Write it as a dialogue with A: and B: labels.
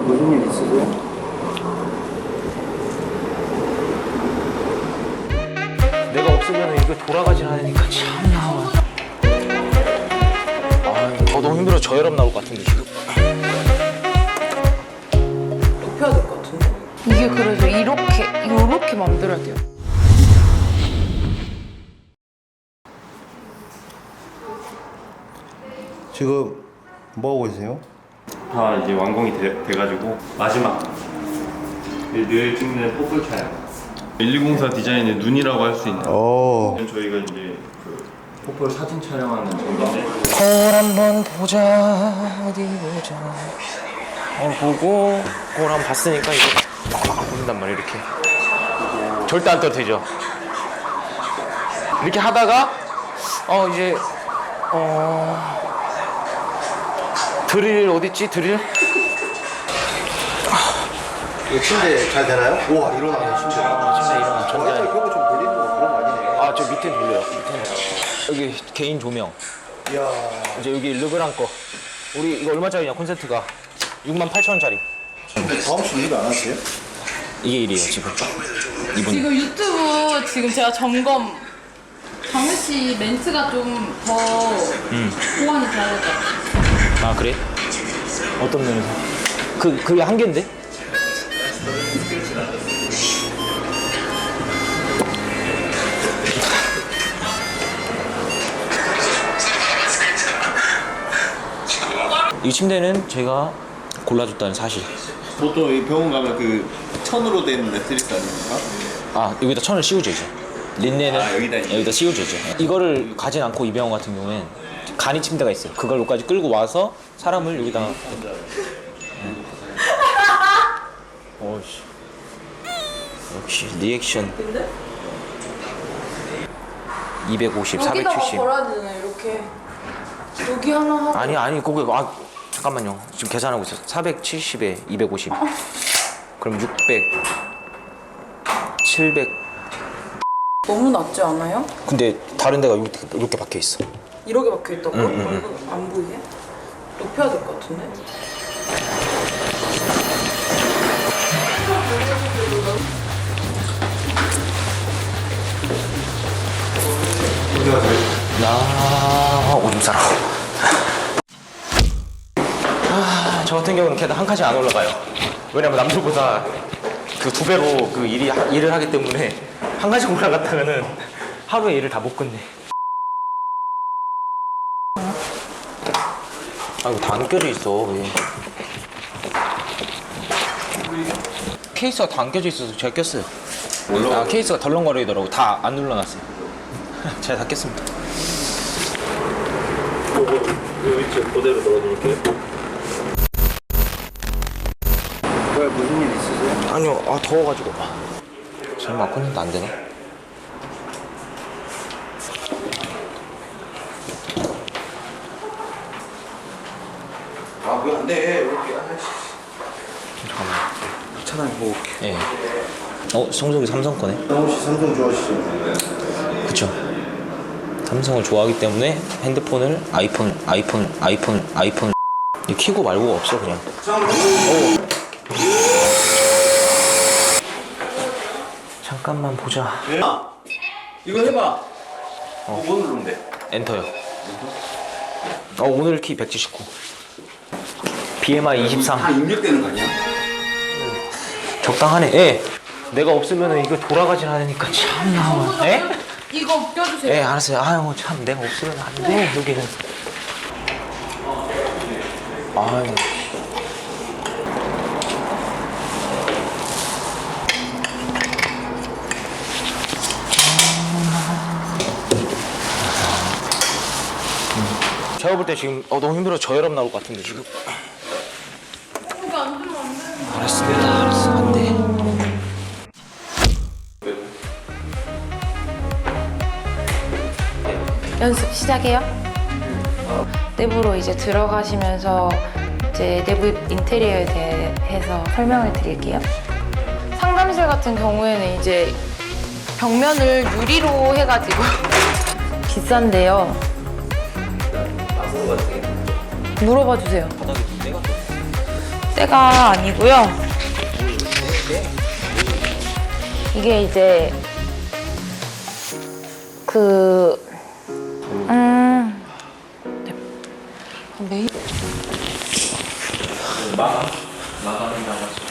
A: 무슨 일 있으세요?
B: 내가 없으면 이게 돌아가질 않으니까 참나. 너무 힘들어. 저혈압 나올 것 같은데 지금.
C: 높여야 될 것 같은데. 이게 그래서 이렇게 만들어야 돼요.
A: 지금 뭐 하고 계세요?
D: 다 이제 완공이 돼가지고 마지막 늘 찍는 포플 촬영 1204 디자인의 눈이라고 할 수 있는 저희가 이제 그 포플 사진 촬영하는 정도인데
B: 거울 한번 보자. 어디 보자. 거울 보고 거울 한번 봤으니까 이제 보인단 말이야. 이렇게 절대 안 떠도 되죠. 이렇게 하다가 이제 드릴 어딨지? 드릴?
A: 이거 침대 잘 되나요? 우와 일어나네 침대가.
B: 침대 일어나.
A: 전자에 벽을 좀 돌리는 거 그런 거 아니네요.
B: 저 밑에 돌려요. 밑에는. 여기 개인 조명.
A: 이야.
B: 이제 여기 르브랑 거. 우리 이거 얼마짜리냐 콘센트가? 68,000원짜리.
A: 다음 주 일 안 하세요?
B: 이게 일이에요 지금. 이분이.
C: 지금 유튜브 지금 제가 점검 장우 씨 멘트가 좀 더 보완이 돼야 될 것 같아요.
B: 아 그래? 어떤 면에서? 그게 한계인데? 이 침대는 제가 골라줬다는 사실.
E: 보통 이 병원 가면 그 천으로 된 매트리스 아닙니까?
B: 여기다 천을 씌우죠 이제. 린넨은 여기다 씌우죠 이제. 이거를 가진 않고 이 병원 같은 경우엔 간이 침대가 있어요. 그걸로까지 끌고 와서 사람을 여기다가. 어이씨. 역시 리액션. 250, 470.
C: 걸어야 되네 이렇게. 여기 하나 하고.
B: 아니 거기 잠깐만요. 지금 계산하고 있어요. 470에 250. 그럼 600, 700.
C: 너무 낮지 않아요?
B: 근데 다른 데가 이렇게 박혀 있어.
C: 이렇게 박혀 있다고? 얼굴 안 보이게? 높여야 될 것 같은데?
B: 오줌 싸라. 저 같은 경우는 계단 한 칸씩 안 올라가요. 왜냐면 남들보다 그 2배로 그 일을 하기 때문에 한 칸씩 올라갔다가는 하루에 일을 다 못 끝내. 이거 다 안 껴져 있어. 왜? 케이스가 다 안 껴져 있어서 제가 꼈어요. 케이스가 덜렁거리더라고. 다 안 눌러놨어요. 제가 다 꼈습니다.
D: 위치 그대로 넣어드릴게요.
A: 왜 무슨 일 있으세요?
B: 아니요, 더워가지고. 설마 콘센트 안 되나?
A: 왜 안 돼? 이렇게.
B: 잠깐만.
A: 차라리 먹을게.
B: 예. 성적이 삼성 거네?
A: 장우 씨 삼성 좋아하시죠?
B: 그쵸. 삼성을 좋아하기 때문에 핸드폰을 아이폰 키고 말고가 없어 그냥. 잠깐만 보자.
E: 이거 해봐. 뭐 누르면 돼?
B: 엔터요. 오늘 키 179. BMI 23.
E: 다 입력되는 거 아니야?
B: 적당하네. 예. 내가 없으면 이거 돌아가질 않으니까 참나. 예?
C: 이거 껴주세요.
B: 예, 알았어요. 참 내가 없으면 안 돼. 여기는. 제가 볼 때 지금 너무 힘들어. 저혈압 나올 것 같은데 지금.
C: 여기 앉으면 안 되는 거.
B: 알았습니다. 알았어. 안 돼.
C: 연습 시작해요. 내부로 이제 들어가시면서 이제 내부 인테리어에 대해서 설명을 드릴게요. 상담실 같은 경우에는 이제 벽면을 유리로 해가지고 비싼데요. 물어봐 주세요. 때가 아니고요. 이게 이제 네. 메인
B: 마감한다고 하죠.